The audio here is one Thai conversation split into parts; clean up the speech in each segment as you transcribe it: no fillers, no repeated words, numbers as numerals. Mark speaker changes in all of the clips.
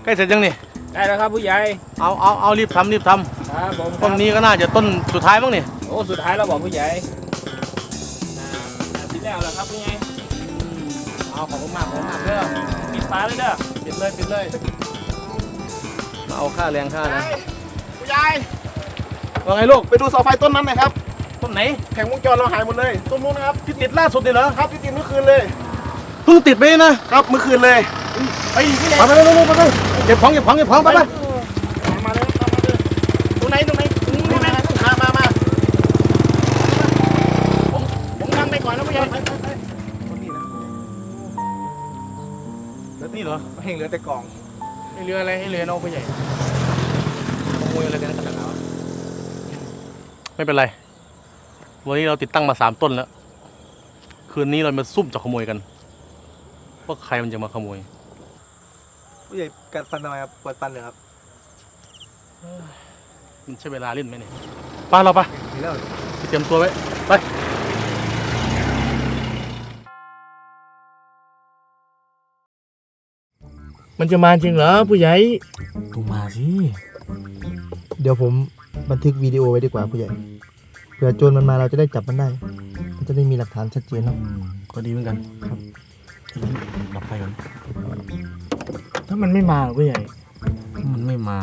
Speaker 1: ล้เสร็จยังนี่
Speaker 2: ได้แล้วครับผู้ใหญ่
Speaker 1: เอารีบทำ
Speaker 2: ครับผม
Speaker 1: ต้นนี้ก็น่าจะต้นสุดท้ายมั้งนี่
Speaker 2: โอ้สุดท้ายเราบอกผู้ใหญ่ที่แล้วแล้วครับผู้ใหญ่
Speaker 1: เอาขอบคุณมากเด้อ
Speaker 2: ปิดฝาเลยเด้อ
Speaker 1: ปิดเลยมาเอาค่าแรงค่านะ
Speaker 3: ผู้ใหญ่
Speaker 1: ว่าไงลูก
Speaker 3: ไปดูเสาไฟต้นนั้นหน่อยครับ
Speaker 1: ต้นไหน
Speaker 3: แผงวงจรเราหายหมดเลยต้นนู้นนะครับ
Speaker 1: ที่ติดล่าสุดเลยเหรอ
Speaker 3: ครับที่ติดเมื่อคืนเลย
Speaker 1: เพิ่งติดไปนะครับ
Speaker 3: เมื่อคืนเลย
Speaker 1: ไปเร็วเก็บของไป
Speaker 3: มาเลยตรงไหนมาผมนำไปก่อนนะผู้ใหญ่
Speaker 1: นี่เหรอ
Speaker 3: เฮงเหลือแต่กล่อง
Speaker 1: ให้เรืออะไรให้เรือน้องผู้ใหญ่ขโมยอะไรกันขนาดนั้นไม่เป็นไรวันนี้เราติดตั้งมา3 ต้นแล้วคืนนี้เรามาซุ่มจะขโมยกันว่าใครมันจะมาขโมย
Speaker 3: ผู้ใหญ่กัดฟันทำไมครับปวดฟันเหรอครับ
Speaker 1: มันใช้เวลาเล่นไหมเนี่ยไปเราไปเตรียมตัวไว้ไป
Speaker 2: มันจะมาจริงเหรอผู้ใหญ่
Speaker 1: ต้องมาสิ
Speaker 3: เดี๋ยวผมบันทึกวิดีโอไว้ดีกว่าผู้ใหญ่เผื่อโจรมันมาเราจะได้จับมันได้มันจะได้มีหลักฐานชัดเจนเนาะ
Speaker 1: ก็ดีเหมือนกันครับดับไฟก่อน
Speaker 2: ถ้ามันไม่มาผู้ใหญ่
Speaker 1: มันไม่มา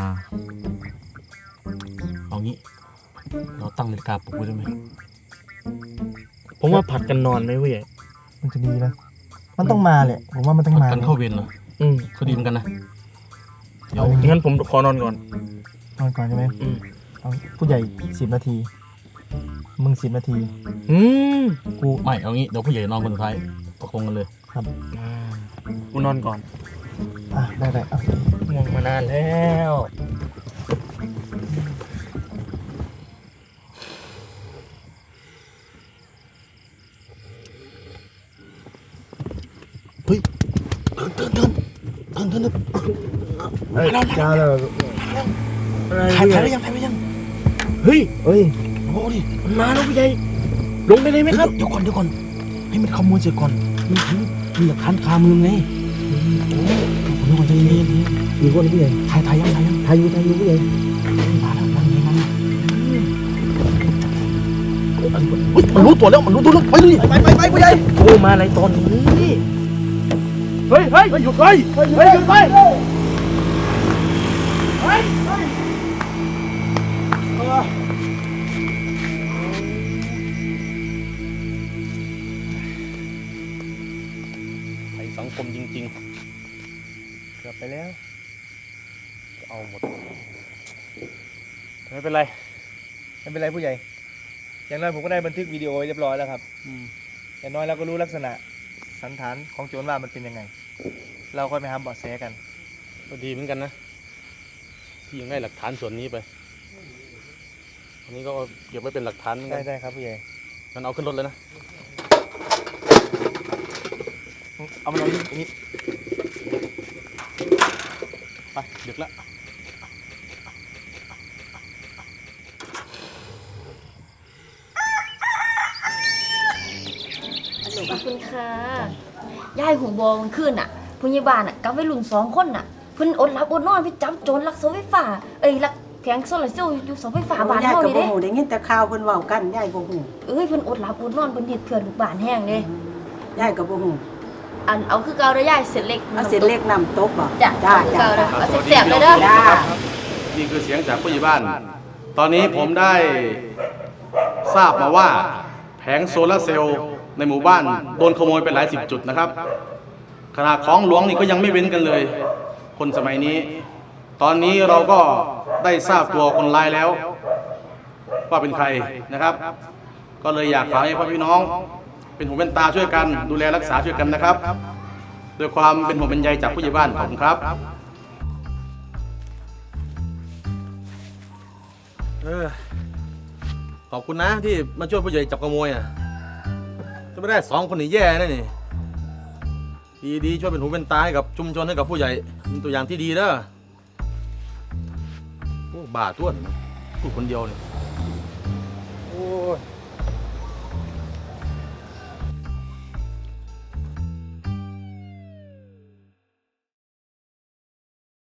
Speaker 1: เอางี้เราตั้งนาฬิกาปลุกไว้ได้ไหม
Speaker 2: ผมว่าผัดกันนอนไหมผู้ใหญ่
Speaker 3: มันจะดีนะมันต้องมาแหละผมว่ามันต้องมา
Speaker 1: กันเข้าเวรเหรอเขาดีเหมือนกันนะ
Speaker 2: เดี๋ยวงั้นผมขอนอนก่อน
Speaker 3: ใช่ไหมผู้ใหญ่10 นาทีมึง10 นาที
Speaker 1: กูไม่เอางี้เดี๋ยวผู้ใหญ่นอนคนสุดท้ายประคองกันเลย
Speaker 3: ครับ
Speaker 2: กูนอนก่อน
Speaker 3: ได้
Speaker 2: ง่วงมานานแล้ว
Speaker 1: เฮ้ยเดิน
Speaker 3: จ้าแล้ว
Speaker 1: ถ่ายไปยัง
Speaker 2: เฮ้ย
Speaker 1: โอ้ดิ
Speaker 2: มันมาแล้วผู้ใหญ่ลงไปเลยไหมครับ
Speaker 1: เดี๋ยวก่อนให้มันขโมยเสร็จก่อนมีหลักฐานคามือไงโอ้ยใจเย็น
Speaker 3: มีคนผู้ใหญ่
Speaker 1: ถ่ายยัง
Speaker 3: ถ่ายอยู่ผู้ใหญ่
Speaker 1: มาแล้วมันรู้ตัวแล้วไปเลย
Speaker 3: ไปผู้ใหญ่
Speaker 2: โอ้มาอะไรตอนนี้
Speaker 1: เฮ้ยหยุดสังคมจริงๆเกือบไปแล้วเอาหมดไม่เป็นไร
Speaker 3: ผู้ใหญ่อย่างน้อยผมก็ได้บันทึกวิดีโอเรียบร้อยแล้วครับอย่างน้อยเราก็รู้ลักษณะสันฐานของโจรว่ามันเป็นยังไงเราค่อยไปหาเบาะแสกัน
Speaker 1: ก็ดีเหมือนกันนะที่ยังได้หลักฐานส่วนนี้ไปอันนี้ก็เก็บไว้เป็นหลักฐาน
Speaker 3: ได้ครับผู้ใหญ่
Speaker 1: งั้นเอาขึ้นรถเลยนะ
Speaker 3: เอามาลองนิด
Speaker 1: ไปดึกแล้ว
Speaker 4: ขอบคุณค่ะยายหูบอมันขึ้นอ่ะพยาบาลอ่ะกับวัยรุ่น2 คนอ่ะเพิ่นอดหลับอดนอนไปจับโจรลักเสาไฟฟ้าลักแผงโซลาร์เซลล์อยู่เสาไฟฟ้าบ้านเฮานี่เด้
Speaker 5: ได้ยินแต่ข่าวเพิ่นเว้ากันยายบ่ฮู้
Speaker 4: เพิ่นอดหลับอดนอนเพิ่นเฮ็ดเพื่อลูกบ้านแห้งเด้
Speaker 5: ยายก็บ่ฮู้
Speaker 4: เอาคือเก่าเด้อยายเส้นเล็ก
Speaker 5: เอาเส้นเล็กน้ำตกบ่
Speaker 4: จ้ะเก่าเด้อเอาแซ่บๆเลยเด้อ
Speaker 1: นี่คือเสียงจากผู้ใหญ่บ้านตอนนี้ผมได้ทราบมาว่าแผงโซลาร์เซลล์ในหมู่บ้านโดนขโมยไปหลาย10 จุดนะครับขนาดของหลวงนี่ก็ยังไม่เว้นกันเลยคนสมัยนี้ตอนนี้เราก็ได้ทราบตัวคนร้ายแล้วว่าเป็นใครนะครับก็เลยอยากฝากให้พ่อพี่น้องเป็นหูเป็นตาช่วยกันดูแลรักษาช่วยกันนะครับด้วยความเป็นห่วงเป็นใยจากผู้ใหญ่บ้านขอบคุณครับขอบคุณนะที่มาช่วยผู้ใหญ่จับขโมยถ้าไม่ได้2 คนนี่แย่แน่นี่ดีช่วยเป็นหูเป็นตาให้กับชุมชนให้กับผู้ใหญ่เป็นตัวอย่างที่ดีเด้อบ้าต้วนพูดคนเดียวนี่โอ้